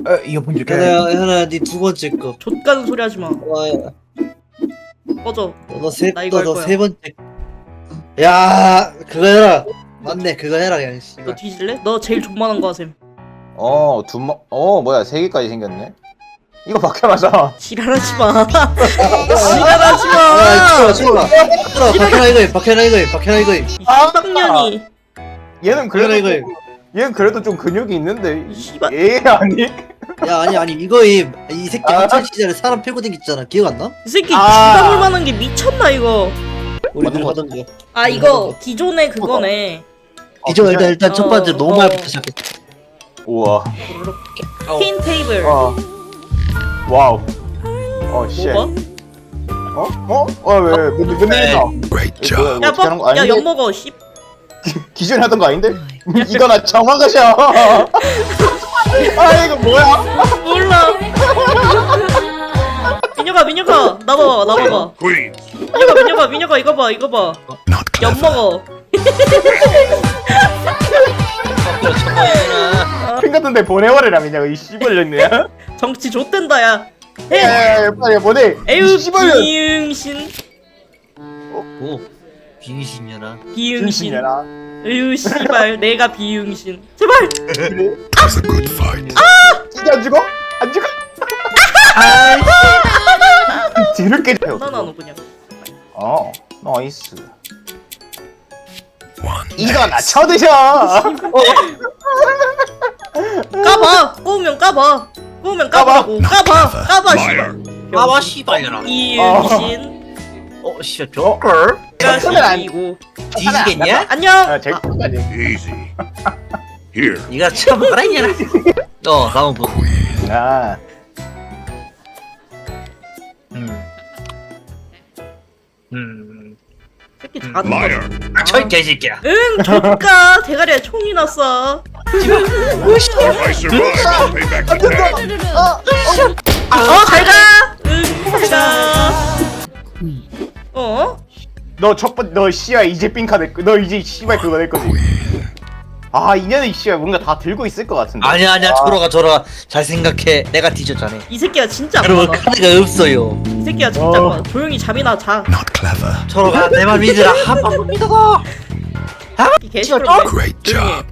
이어폰 줄게. 현아야 네 두 번째 거. 좆가는 소리 하지 마. 와, 꺼져. 너세 나 이거 할 너 거야. 세 번째. 야 그거 해라. 맞네 그거 해라 그냥. 너 뒤질래? 너 제일 존만한 거 하셈. 뭐야 3개까지 생겼네. 이거 박혀라자. 지랄하지 마. 지랄하지 마. 아 치워라. 박현아 이거 해. 박현아 이거 해. 박현아 이거 해. 이 씨박년이. 얘는 박현아 이거 해. 얘는 그래도 좀 근육이 있는데. 씨발. 얘 아니? 야 아니 이거 해. 이 새끼 학창 시절에 사람 패고 댕겼잖아. 기억 안 나? 이 새끼 아. 주방울 만한 게 미쳤나 이거. 우리들 맞는 하던 거. 아 이거 기존의 그거네. 이제 일단 첫 번째 어, 너무 어. 말부터 시작해. 우와. 퀸 테이블. 와우. 씨. 뭐가? 왜? 근데 Great job. 야 뻑. 야엿 먹어. 씨. 기존에 하던 거 아닌데? 이거 나 정확하셔. 아 이거 뭐야? 몰라. 민혁아 나봐봐. 민혁아 이거 봐. Not 엿 clever. 먹어. 핑 같은데 보내버리라 민혁아 이 씨발년이야. 정치 좆된다 야. 해. 에 빨리 보내. 에휴 씨발년. 비응신. 오 빙신이라. 비응신. 진심이야. 에휴 씨발 내가 비응신. 제발. That's a good fight. 이게 안 죽어? 안 죽어? 뒤늦게 나나 너 그냥. 나이스. One. 이거 나 쳐드셔. 까봐. 꼬우면 까봐. 까보라고. 까봐 씨발. 아와 씨발려라. 이응신. 씨발 조걸. 가시고. 뒤지겠냐? 안녕. 제일 끝까지. Easy. Here. 니가 처음 뭐라 했냐? 다음 분. Queen. 아. 새끼 자는 Liar. 거. 철 개새끼야. 응 좋까. 대가리에 총이 났어. If I survive, I'll pay back the tag. 잘가. 응 잘가. 너 씨야 이제 삥카 너 이제 씨발 그거 될 거지. Queen. 아 이년은 씨야 뭔가 다 들고 있을 것 같은데. 아니야 저러가 잘 생각해. 내가 뒤졌잖아. 이 새끼가 진짜 여러분 악마다. 카드가 없어요. 이 새끼가 진짜 악마다. 조용히 잠이나 자. Not clever. 저러가 내 말 믿으라. 한 번만 믿어봐. 이 개시끄럽네. Great job.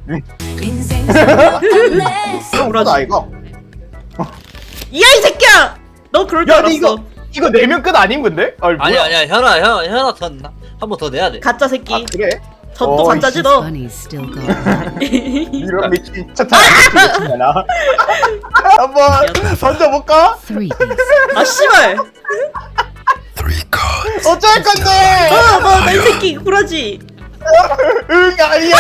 그거다 이거. 이야 이 새끼야. 너 그럴 줄 야 알았어. 근데 이거 내면 끝 아닌 건데? 아니, 뭐야? 아니야 현아 한 번 더 내야 돼. 가짜 새끼. 아 그래? 저또 가짜지 씨. 너. Bunny's still going. 이런 미친 차차 미친 나. 한번 던져볼까? Three. 아 씨발. Three cards. 어쩔 건데? 너이 새끼 구라지. 응 아니야.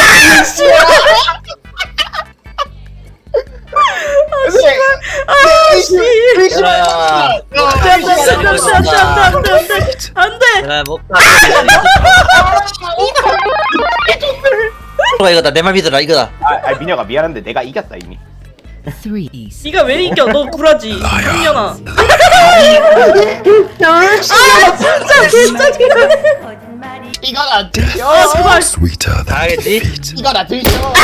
안돼. 내가 못 가. 이거다 내 말 믿으라 이거다. 아 민혁아 미안한데 내가 이겼다 이미. Three. 네가 왜 이겨? 너 구라지. 한년아. 진짜 개짜증나. 이거 나 드셔. 아 제발. Sweeter than 알겠지? defeat. 이거 나 드셔.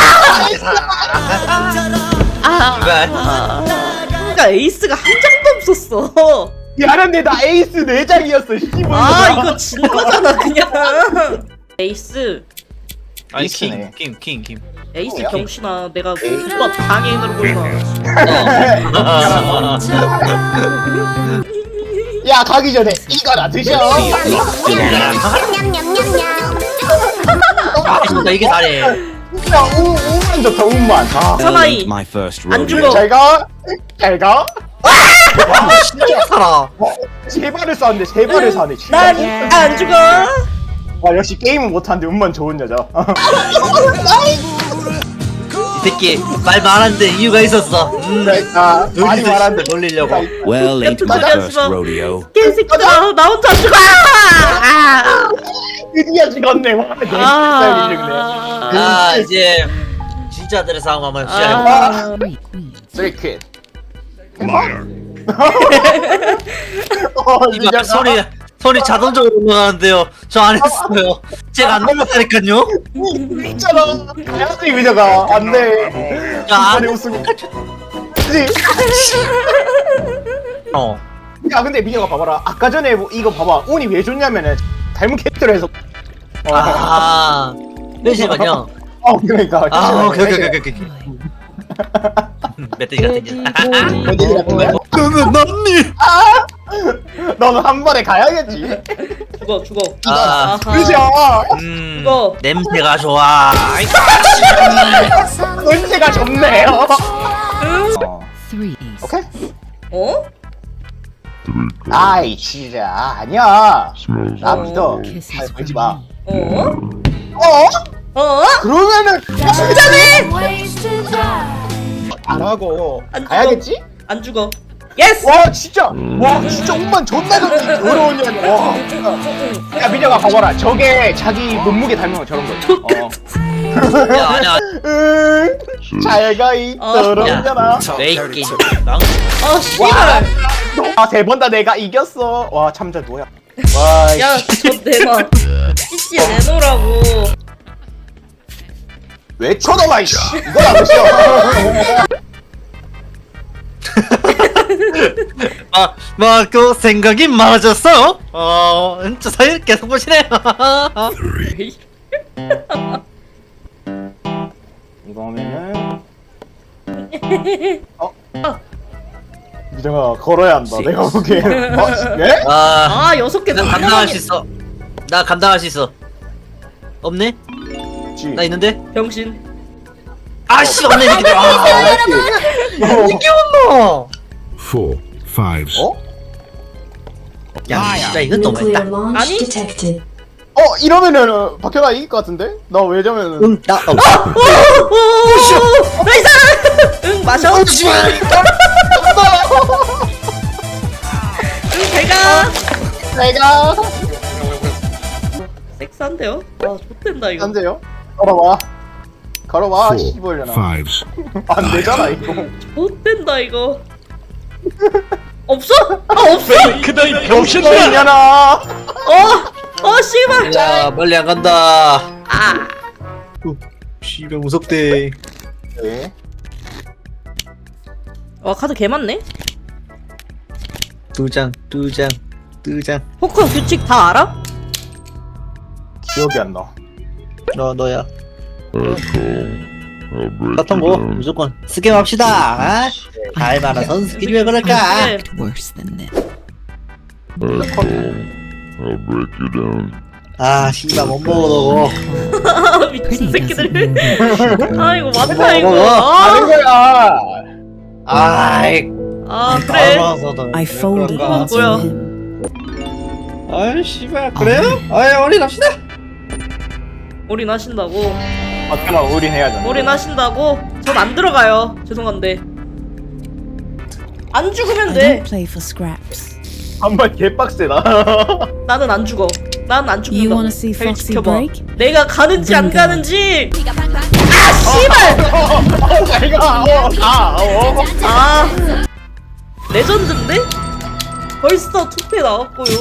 제발. 그러니까 에이스가 한 장도 없었어. 미안한데 나 에이스 4장이었어. 씨발. 아 이거 진 거잖아 그냥. 에이스. 아니 있으네. 킹. 에이스 뭐야? 경신아 내가 오빠 장애인으로 보이나. 야 가기 전에 이거 나 드셔. 나 이게 잘해. 야 우만 좋다 우만. 아. 사나이 안 죽어. 잘 가. 잘 가. 진짜 살아. 세 발을 쐈는데 세 발을 쐈네. 난 안 죽어. 아 역시 게임은 못하는데 운만 좋은 여자. 이 새끼 말 많은데 이유가 있었어. 아 많이 말하는데 놀리려고. Well, ain't my That's first about- rodeo. 개새끼들아 나 혼자 죽어. 드디어 죽었네. 와, 내 스타일이지 아 이제 진짜들의 싸움 한번 시작해. Three. Queen. 그래. 퀴. Liar. 이봐 손이 자동적으로 올라가는데요. 저 안 했어요. 제가 안 넘었다니까요. 있잖아. 가야지 민혁아. 안 돼. 야, 이번에 우승. 맞지? 어. 야 근데 민혁아 봐봐라. 아까 전에 뭐 이거 봐봐. 운이 왜 좋냐면은 닮은 캐릭터로 해서. 아. 잠시만요. 그러니까. 아, 오케이. 멧돼지 같은 게. 멧돼지 같은 거야? 너는 넌니. 너는 한 번에 가야겠지. 죽어. 아. 아하. 그죠? 이거. 냄새가 좋아. 냄새가 좋네요. Three ace. 오케이. 어? 아이 진짜 아니야. 나 믿어. Kisses 아이 from 걸지 마. me. 어? 어? 어? 그러면은 진짜네? 안 하고 안 죽어. 가야겠지? 안 죽어. 예스! 와 진짜 운만 존나 좋지. 어려운 년이. 와. 야 민혁아 봐봐라. 저게 자기 몸무게 닮은 거 저런 거. 야, 아니야. 잘가 있더라잖아. 왜 있긴. 망. 아 씨발. 세 번 다 내가 이겼어. 와 참자 뭐야. 와. 야, 저 내놔. CC 내놓으라고. 왜 쳐다봐 이씨. 이거 안 보셔. 그 생각이 많아졌어. 진짜 사이를 계속 보시네. 이거면은 미정아 걸어야 한다. 내가 보기엔. 예? 아, 아, 6개 나 감당할 수 있어. 나 감당할 수 있어. 없네? 지. 나 있는데? 병신. 아씨 없네 이게. 이게 없노. 4 5s. 어? 야, 진짜 이건 너무했다. 아니? launch detected. 이러면은 박현아 이길 것 같은데? 나 왜냐면은 나 오! 나이스! 응, 마셔. 응, 제가. 내가 섹스한데요? 와, 좋댄다, 이거. 안돼요. 걸어봐. 걸어봐. 4 씨발려나. 5s. 안 되잖아 이거. 좋댄다, 이거. 없어? 아, 없어! 그다이 병신도 있냐나. 씨발! 야, 멀리 안 간다. 아, 씨발 무섭대. 네. 와, 카드 개 많네? 두 장. 포커 규칙 다 알아? 기억이 안 나. 너야. 같은 거 무조건 스캠 합시다. 아? 알 많아서 스킬이 왜 그럴까? 그래. Worse than this. 아, 씨발 못 먹어 너. 미친 Pretty 새끼들. doesn't 아, 이거 맞다, 먹어, 이거. 먹어. 다른 거야. 아이, 아, 그래. I folded 그건 into 뭐야? him. 아이, 씨발 그래요? 아이, 올인합시다. 올인하신다고. 박현아 올인해야잖아. 올인하신다고? 전 안 들어가요. 죄송한데. 안 죽으면 I 돼. don't play for scraps. 한번 개빡세다. 나는 안 죽어. 나는 안 You 죽는다. wanna see Foxy break? 내가 가는지 안 Bingo. 가는지. 아, 씨발! 내가 아, 레전드인데? 벌써 투패 나왔고요.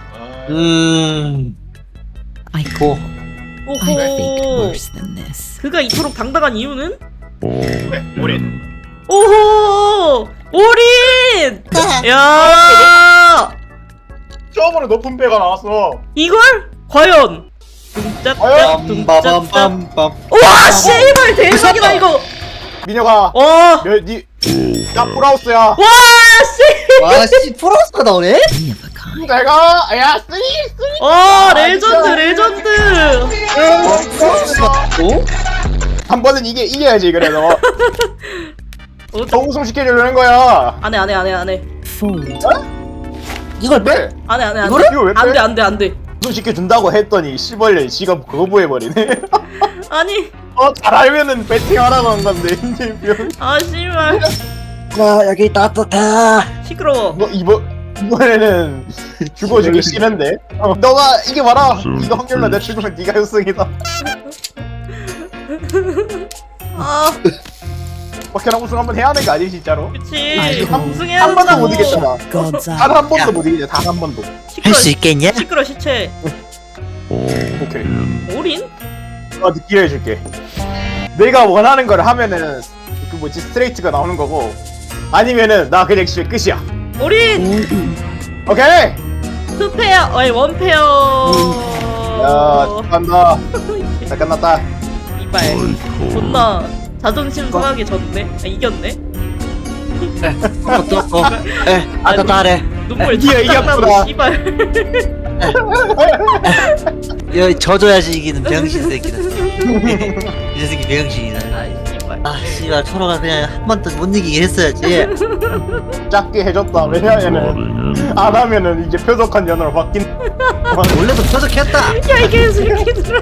I 고. I think 오호. worse than this. 그가 이토록 당당한 이유는? 올인. 오호! 올인! 야! 처음으로 높은 배가 나왔어. 이걸? 과연? 과연? 빰빰빰빰빰. 와, 씨발 대박이다 이거. 민혁아. 와, 나 프라우스야. 와, 씨. 와, 씨 프로스가 나오네? One of a kind. 내가 쓰리. 와, 레전드. 오? 한 번은 이겨야지 그래도. 더 우승 시켜주려는 거야. 안해. Fold. 이걸 빼? 네. 안해. 이거 왜 빼? 안돼. 우승 시켜준다고 했더니 씨벌려 지가 거부해버리네. 아니, 잘 알면은 배팅하라고 한 건데 이제 병. 아 씨발. 와, 여기 따뜻해. 시끄러워. 너 이번에는 죽어주기 싫은데. 너가 이겨봐라. 이거 확률로 내가 죽으면 네가 우승이다. 아, 박현아 우승 한번 해야 하는 거 아니지 진짜로? 그치. 아이고. 우승해야 한 번도 못 된다고. 이겼잖아. God's 단 eye. 한 번도 못 이기죠. 단 한 번도. 할 수 있겠냐? 시끄러 시체. 오케이. 올인? 기회 해줄게. 내가 원하는 걸 하면은 그 뭐지 스트레이트가 나오는 거고 아니면은 나 그냥 씨 끝이야. 우린 All in. 오케이. 투페어 아니 원페어. 야 축하한다. 잘 끝났다. 이발 존나 자존심 상하게 졌네. 아, 이겼네. 또 아까 따래. 눈물 이겨, 쫙 나고 이겼구나. 씨발. 여기 져줘야지 이기는 병신 새끼는. 이 새끼 병신이다. 아 씨발. 아 씨발 초로가 그냥 한 번 더 못 이기게 했어야지. 작게 해줬다. 왜냐면은 안 하면은 이제 표독한 연어로 바뀐. 원래도 표적했다. 야 이게 새끼들아.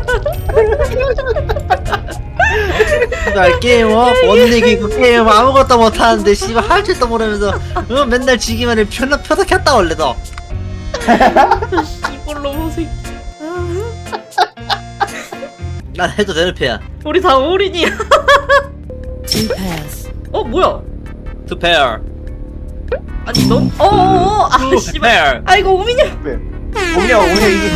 씨발 게임 못 이기고 게임 아무것도 못 하는데 씨발 할 줄도 모르면서 맨날 지기만 해 표적했다 원래도. 이볼로 새끼. 난 해도 되는 패야. 우리 다 올인이야. Two pairs. 어 뭐야? 투 페어. 아니 넌 아 씨발. 아이고 우민이. 분명 우리 이기.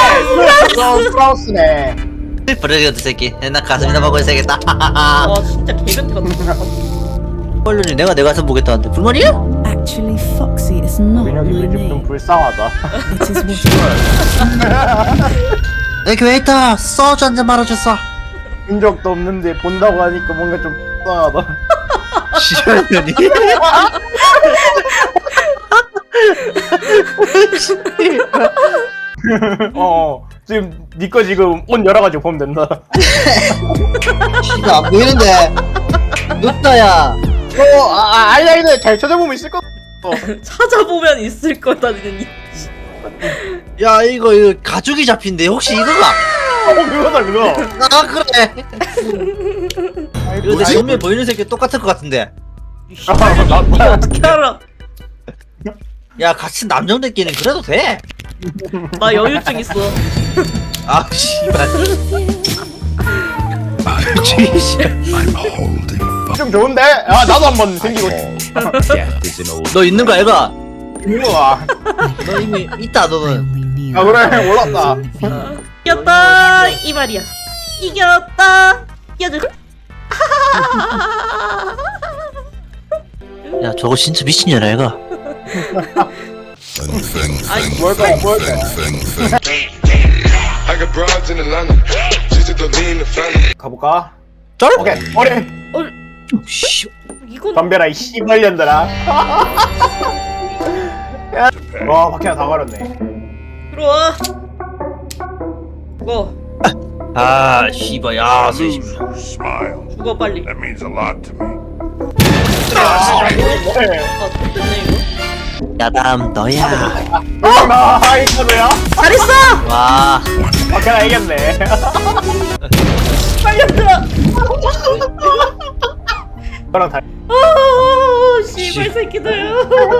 프라우스네. 브레이드 새끼. 나 가슴이나 먹고 있어야겠다. 와 진짜 개변태 같다. 헐륜이 내가 내 가슴 보겠다는데 불만이야? Actually, Foxy is not my 민혁이 좀 name. 불쌍하다. It is what it is. 내 교회 있다. 소주 한잔 말아줬어. 본 적도 없는데 본다고 하니까 뭔가 좀 불쌍하다. 시현이. 지금 니꺼 지금 옷 열어가지고 보면 된다. 씨가 안 보이는데. 눕다야. 아이라인을 잘 찾아보면 있을 것. 찾아보면 있을 거다는 이. 야 이거 가죽이 잡힌데 혹시 이거가? 그거다 그거. 아 그래. 이거 내 정면 보이는 새끼 똑같을 것 같은데. 이게 어떻게 알아? 야 같이 남정들끼리는 그래도 돼. 나 여유증 있어. 아 씨발. I'm holding 좀 좋은데? 아 나도 한번 생기고. death is an old 너 있는 거 아이가? 우와. 너 이미 있다 I 너는. only knew. 아 그래 올랐다. 이겼다 이 말이야. 이겼다. 이겨줘. 야 저거 진짜 미친년아 애가. 뭘까? I got broads in Atlanta. She's the lean, the family. 가볼까? 쩔? 오케이 어리. 씨. 이건 덤벼라 이 씨발년들아. 와 바퀴나 다 가렸네. 들어와. 죽어. 아 씨발 야 씨. smile. 죽어 빨리. That means a lot to me. 아 됐네 이거. 야 다음 너야. 아 이거야? 잘했어. 와. 바퀴나 이겼네. 빨리 들어. 너랑 다. 씨발 새끼들.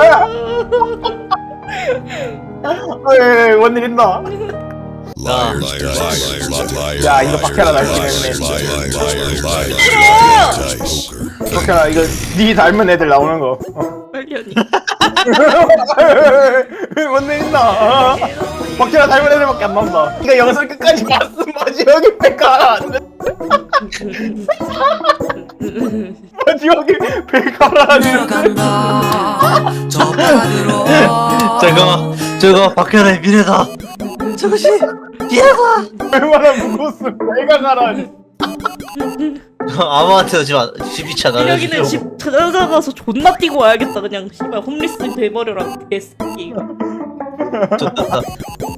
원일 있나? Liars, liars, liars. 야 이거 바퀴나 날 수 있네. 바퀴나 이거 니 닮은 애들 나오는 거. 빨리 언니. 원일 있나? 바퀴나 닮은 애들밖에 안 나온다. 이거 영상 끝까지 봤음 마지막에 배가 안 돼. 마지막에 배가 안 돼. 저거 박현아의 미래다. 저것이 미래다. 얼마나 무거웠으면 배가 가라니. 아무한테도 집이차 나를. 여기는 집 찾아가서 존나 뛰고 와야겠다 그냥. 씨발 홈리스 돼버려라 개새끼. 좋다.